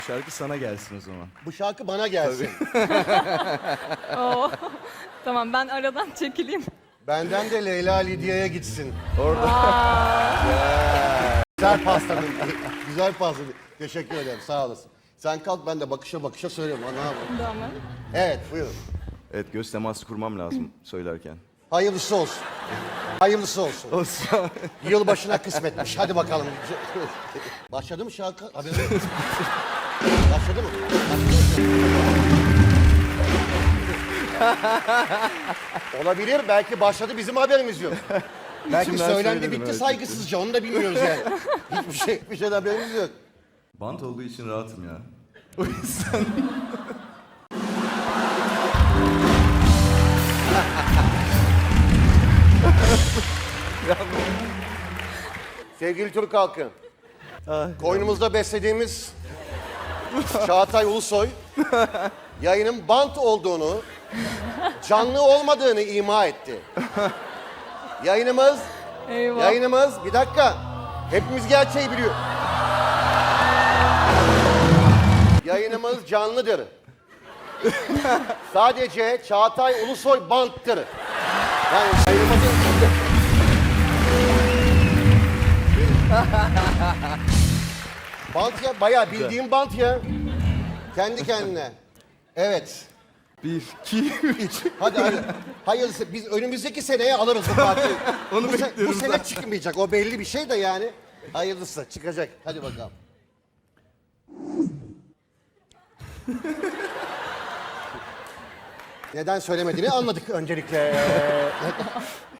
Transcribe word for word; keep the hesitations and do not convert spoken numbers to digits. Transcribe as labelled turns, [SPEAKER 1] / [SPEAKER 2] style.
[SPEAKER 1] Şarkı sana gelsin o zaman.
[SPEAKER 2] Bu şarkı bana gelsin.
[SPEAKER 3] Oo. Tamam ben aradan çekileyim.
[SPEAKER 2] Benden de Leyla Lidya'ya gitsin.
[SPEAKER 3] Aa,
[SPEAKER 2] Güzel pastanın. Güzel pasta. Teşekkür ederim. Sağ olasın. Sen kalk, ben de bakışa bakışa söylüyorum. Ha, ne yapayım?
[SPEAKER 3] tamam.
[SPEAKER 2] Evet, buyurun.
[SPEAKER 1] Evet, göz teması kurmam lazım söylerken.
[SPEAKER 2] Hayırlısı olsun. Hayırlısı olsun.
[SPEAKER 1] Olsun.
[SPEAKER 2] Yılbaşına kısmetmiş. Hadi bakalım. Başladı mı şarkı? Haberin yok mu? Başladı mı? Başladı mı? Olabilir. Belki başladı, bizim haberimiz yok. Belki
[SPEAKER 1] İçimden
[SPEAKER 2] söylendi,
[SPEAKER 1] söyledim,
[SPEAKER 2] bitti
[SPEAKER 1] evet.
[SPEAKER 2] saygısızca. Onu da bilmiyoruz yani. Hiçbir şey, hiçbir şeyden haberimiz yok.
[SPEAKER 1] Bant olduğu için rahatım ya. O yüzden.
[SPEAKER 2] Sevgili Türk halkı, koynumuzda beslediğimiz Çağatay Ulusoy, yayının bant olduğunu, canlı olmadığını ima etti. Yayınımız,
[SPEAKER 3] Eyvah.
[SPEAKER 2] yayınımız, bir dakika, hepimiz gerçeği biliyor. Yayınımız canlıdır. Sadece Çağatay Ulusoy banttır. Yani yayınımızın... Bant ya, bayağı bildiğim bant ya. Kendi kendine. Evet.
[SPEAKER 1] Bir, iki, üç.
[SPEAKER 2] Hadi hadi. Hayırlısı. Biz önümüzdeki seneye alırız bu partiyi.
[SPEAKER 1] Onu
[SPEAKER 2] bu, se- bu
[SPEAKER 1] bekliyorum
[SPEAKER 2] sene
[SPEAKER 1] zaten.
[SPEAKER 2] çıkmayacak. O belli bir şey de yani. Hayırlısı çıkacak. Hadi bakalım. Neden söylemediğini anladık öncelikle.